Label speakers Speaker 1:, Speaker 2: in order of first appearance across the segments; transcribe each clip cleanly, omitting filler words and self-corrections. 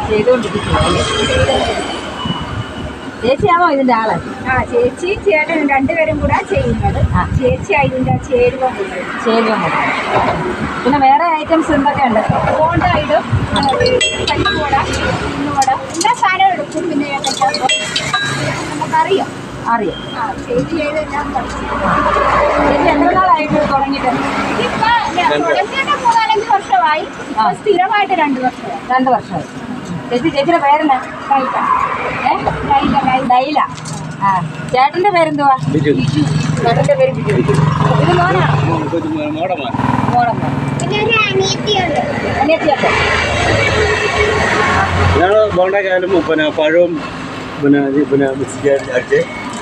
Speaker 1: ചെയ്തുകൊണ്ടിരിക്കുകയല്ലേ? ചേച്ചിയാണോ ഇതിൻ്റെ ആള്?
Speaker 2: ചേച്ചി ചേട്ടൻ രണ്ടുപേരും കൂടെ ചെയ്യുന്നത്. ചേച്ചി അതിൻ്റെ ചേരുവ
Speaker 1: കൊടുക്കും. പിന്നെ വേറെ ഐറ്റംസ് എന്തൊക്കെയുണ്ട്?
Speaker 2: ബോണ്ട ഇടും, പരിപ്പുവട, ഉള്ളുവട, എല്ലാ സാധനവും എടുക്കും. പിന്നെ നമുക്കറിയാം. ചേച്ചി ചെയ്തെല്ലാം പഠിച്ചു.
Speaker 1: ചേച്ചി എത്ര നാളായിട്ട് തുടങ്ങിയിട്ട്?
Speaker 2: ഇപ്പം തുടങ്ങിയിട്ട് 3-4 വർഷമായി. സ്ഥിരമായിട്ട് 2 വർഷമായി.
Speaker 1: 2 വർഷമായി. ചേച്ചിയുടെ പേരെന്നാ? ഡൈല. ചേട്ടന്റെ പേരെന്തുവാ? ചേട്ടന്റെ പേര് ബിജു. ഇത് മോനാണോ?
Speaker 2: പിന്നെ ഒരു അനിയത്തിയുണ്ട്.
Speaker 1: അനിയത്തിയൊക്കെ
Speaker 3: ബോണ്ടക്കായാലും പഴവും മിക്സ് അടിച്ച്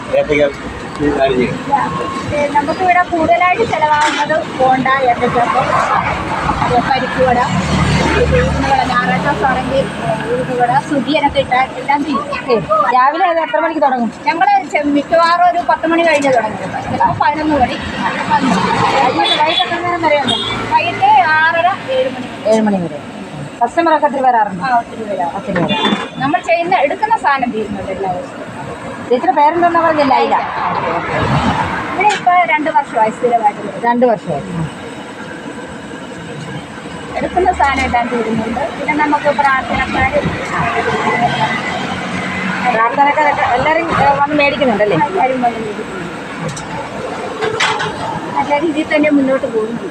Speaker 2: നമുക്കിവിടെ കൂടുതലായിട്ട് ചിലവാകുന്നത് ബോണ്ട, ഏത്തച്ചപ്പം, പരിപ്പുവട, ഞായറാഴ്ച ആണെങ്കിൽ ഉഴുന്നുവട, സുഖിയനൊക്കെ ഇട്ടാൽ എല്ലാം ചെയ്യും.
Speaker 1: രാവിലെ അത് എത്ര മണിക്ക് തുടങ്ങും?
Speaker 2: ഞങ്ങൾ മിക്കവാറും ഒരു 10 മണി കഴിഞ്ഞ് തുടങ്ങും. ചിലപ്പോൾ 11 മണി.
Speaker 1: വൈകിട്ട് എത്ര നേരം വരെയുണ്ട്?
Speaker 2: വൈകിട്ട് 6:30-7 മണി
Speaker 1: വരെ. കസ്റ്റമറൊക്കെ ഒത്തിരി വരാറുണ്ട്?
Speaker 2: ഒത്തിരി വരാം. നമ്മൾ എടുക്കുന്ന സാധനം തീരുന്നുണ്ട് എല്ലാവരും.
Speaker 1: ചേച്ചിയുടെ പേരെന്താ പറഞ്ഞ? ലൈല.
Speaker 2: ഇവിടെ ഇപ്പോൾ 2 വർഷമായി സ്ഥിരമായിട്ട്.
Speaker 1: 2 വർഷമായി.
Speaker 2: എടുക്കുന്ന സാധനം എല്ലാം തീരുന്നുണ്ട്. പിന്നെ നമുക്ക് പ്രാർത്ഥനക്കാരും
Speaker 1: എല്ലാവരും വന്ന് മേടിക്കുന്നുണ്ടല്ലേ?
Speaker 2: എല്ലാവരും വന്ന് മേടിക്കുന്നുണ്ട്. നല്ല രീതിയിൽ തന്നെ മുന്നോട്ട് പോകുന്നുണ്ട്.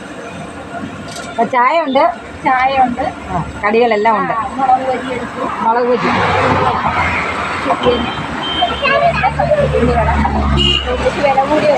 Speaker 1: ചായ ഉണ്ട്, കടികളെല്ലാം ഉണ്ട്.
Speaker 2: മുളക് ബജി എടുക്കും.
Speaker 1: മുളക് ബജി
Speaker 2: വില കൂടിയ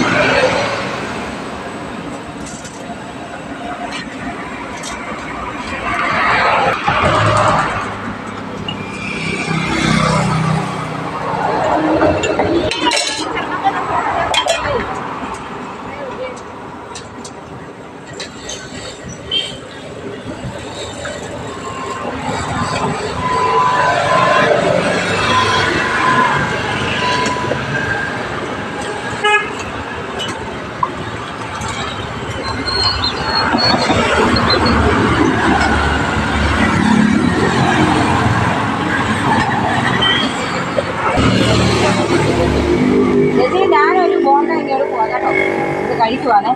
Speaker 1: ചേച്ചി, ഞാനൊരു ബോണ്ട ഇങ്ങോട്ട് പോകാം കേട്ടോ. ഇത് കഴിക്കുവാണേ.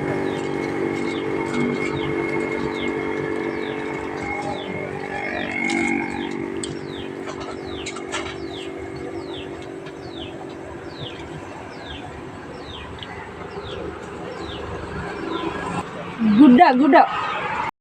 Speaker 1: ഗുഡ